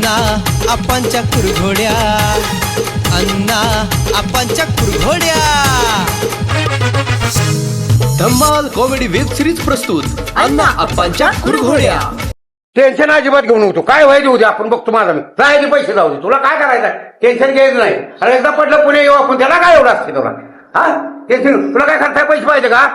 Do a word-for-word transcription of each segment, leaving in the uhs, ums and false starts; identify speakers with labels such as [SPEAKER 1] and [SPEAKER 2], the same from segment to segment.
[SPEAKER 1] अण्णा आपांच्या कुरघोड्या, अण्णा आपांच्या कुरघोड्या. धम्माल कॉमेडी वेब सिरीज प्रस्तुत अण्णा आपांच्या कुरघोड्या.
[SPEAKER 2] टेन्शन अजिबात घेऊ नको. काय व्हायचं उद्या आपण बघतो. माझा मी जायचे पैसे जाऊ दे. तुला काय करायचं, टेन्शन घ्यायचं नाही. अरे एकदा पडलं पुणे येऊ आपण, त्याला काय एवढं असते तुला? हा टेन्शन, तुला काय करताय, पैसे पाहिजे का?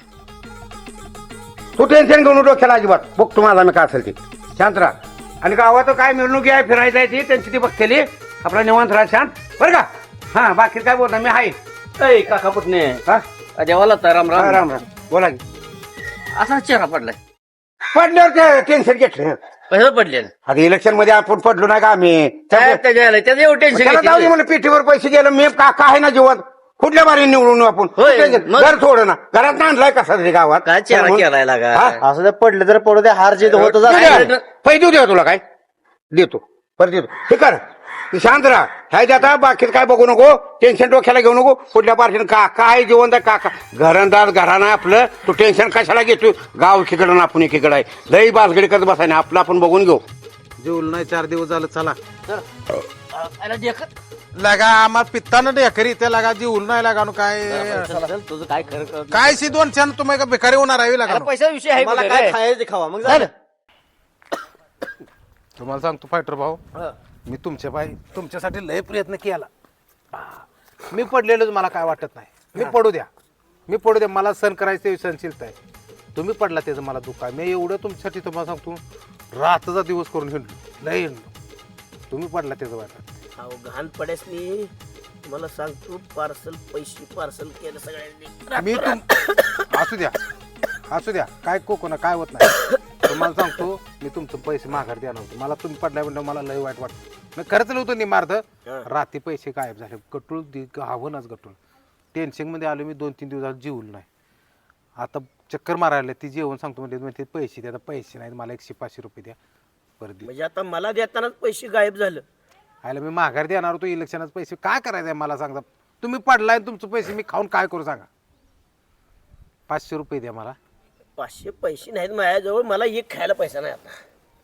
[SPEAKER 2] तू टेन्शन घेऊन डोक्याला अजिबात. बघतो माझा मी काय असेल ते. शांत राहा. आणि गावात काय मिळणूक आहे, फिरायचं आहे ती त्यांची ती बघतेली. आपला निवांत राहा, शांत बरं का. हा बाकी काय बोलता मी आहे.
[SPEAKER 3] काका पुतणे
[SPEAKER 2] हा
[SPEAKER 3] देवाला तर राम राम
[SPEAKER 2] राम राम. बोला की.
[SPEAKER 3] असा चेहरा पडलाय.
[SPEAKER 2] पडल्यावर ते टेन्शन घेतलं.
[SPEAKER 3] पैसे पडले
[SPEAKER 2] आता इलेक्शन मध्ये आपण पडलो नाही का आम्ही.
[SPEAKER 3] त्याचं एवढं
[SPEAKER 2] त्याला जाऊ दे
[SPEAKER 3] टेन्शन
[SPEAKER 2] म्हणलं, पेटीवर पैसे गेलं. मी काका आहे ना जीवन. कुठल्या बारी निवडून आपण
[SPEAKER 3] होय, मग?
[SPEAKER 2] घर थोडं ना, घरात आणलाय कसा तरी गावात.
[SPEAKER 3] काय चेहरा केलाय लागा.
[SPEAKER 2] हा?
[SPEAKER 4] असं जर पडलं तर पडू दे, हार जीत होत
[SPEAKER 2] देऊ द्या. पैसे देऊ द्या तुला. काय देतो, परत देतो. हे कर, तू शांत राहा. ह्याच्या आता बाकीच काय बघू नको, टेन्शन डोक्याला घेऊ नको. कुठल्या पार्टीनं काका आहे जिवंत आहे काका. घरंदाज घराणं आपलं. तू टेन्शन कशाला घेतो? गाव एकीकडं ना आपण एकीकडे आहे. लई बासगडी करत बसाय ना, आपलं आपण बघून घेऊ.
[SPEAKER 4] जेवलं नाही चार दिवस झालं. चला
[SPEAKER 5] लगा आम्हाला पित्तानं ढेकरी ते लगा जीवल नाही लागा नु काय
[SPEAKER 3] तुझं काय खरं
[SPEAKER 5] काय सी दोन छान तुम्ही का बेकारी होणार आहे लागा
[SPEAKER 3] पैसा विषय आहे
[SPEAKER 4] मला
[SPEAKER 3] बघा
[SPEAKER 4] काय
[SPEAKER 3] काय.
[SPEAKER 4] खायचं खावा मग झालं.
[SPEAKER 5] तुम्हाला सांगतो फायटर भाऊ, मी तुमच्या बाई तुमच्यासाठी लय प्रयत्न केला. मी पडलेलोच, मला काय वाटत नाही. मी पडू द्या, मी पडू द्या. मला सण करायचं सहनशीलता आहे. तुम्ही पडला त्याचं मला दुःख आहे. मी एवढं तुमच्यासाठी तुम्हाला सांगतो रातचा दिवस करून हिंडलो, लय हिंडलो. तुम्ही पडला त्याचं वाटत.
[SPEAKER 6] अहो घाण पड्यासनी मला सांगतो, पार्सल पैसे पार्सल केलं सगळ्यांनी.
[SPEAKER 5] मी तुम असू द्या असू द्या काय कोकणा काय होत नाही. तुम्हाला सांगतो मी तुमचं पैसे माघार द्या नव्हतं. मला तुम्ही पडल्या म्हणजे मला लय वाईट वाटतं. मी खर्च होतं निमार्थ. रात्री पैसे गायब झाले. गटूळ हवनच गटूळ. टेन्शन मध्ये आलो मी. दोन तीन दिवसात जीवलं नाही. आता चक्कर मारायला ती जेवण सांगतो म्हणजे म्हणजे पैसे द्या. पैसे नाहीत मला. एकशे पाचशे रुपये द्या परत.
[SPEAKER 6] म्हणजे आता मला देतानाच पैसे गायब झालं.
[SPEAKER 5] आयला मी माघार देणार होतो इलेक्शनाचे पैसे. काय करायचं आहे मला सांगा. तुम्ही पडलाय तुमचे पैसे मी खाऊन काय करू सांगा. पाचशे रुपये द्या मला.
[SPEAKER 6] पाचशे पैसे नाहीत माझ्याजवळ. मला एक खायला पैसा नाही आता.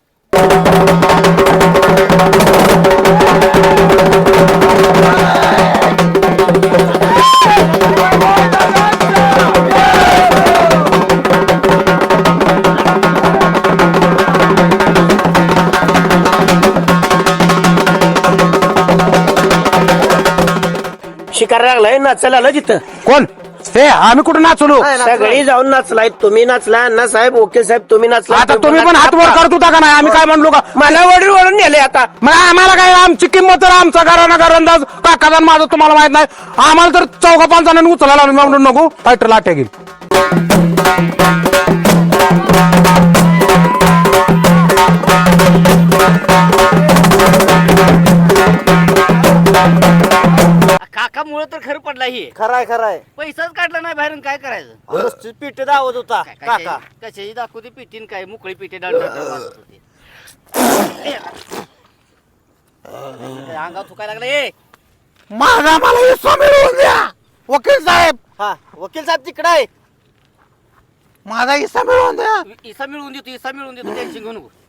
[SPEAKER 6] शिकार लागलाय, नाचायला आलं तिथं.
[SPEAKER 2] कोण ते? आम्ही कुठं नाचलो?
[SPEAKER 6] सगळी जाऊन नाचलाय. तुम्ही नाचला, अण्णा साहेब, वकील साहेब तुम्ही नाचला.
[SPEAKER 2] आता तुम्ही पण हात वर करत होता का नाही? आम्ही काय म्हणलो का?
[SPEAKER 6] मला वडील वळून नेले आता.
[SPEAKER 2] मग आम्हाला काय, आमची किंमत तर आमचा घराना घरंदाज काकाचा माझं तुम्हाला माहित नाही. आम्हाला तर चौघा पाच जणांनी उचलायला म्हणून नको फायटरला अटॅक येईल.
[SPEAKER 3] काका मुळे तर खरं पडला हे.
[SPEAKER 4] खराय खराय.
[SPEAKER 3] पैसाच काढला नाही बाहेरून काय करायचं.
[SPEAKER 4] पीठ दावत होता काका.
[SPEAKER 3] कशाची दाखवते पिटीन काय मोकळी पिटे डाळ वाजत होती. अंगावर थुकायला लागला. ए
[SPEAKER 5] माझा मला हिस्सा मिळवून द्या वकील साहेब.
[SPEAKER 4] हा वकील साहेब तिकडे आहे.
[SPEAKER 5] माझा हिस्सा मिळवून द्या.
[SPEAKER 3] इसा मिळवून देतो, इसा मिळवून देतो. टेन्शन घेऊ नको.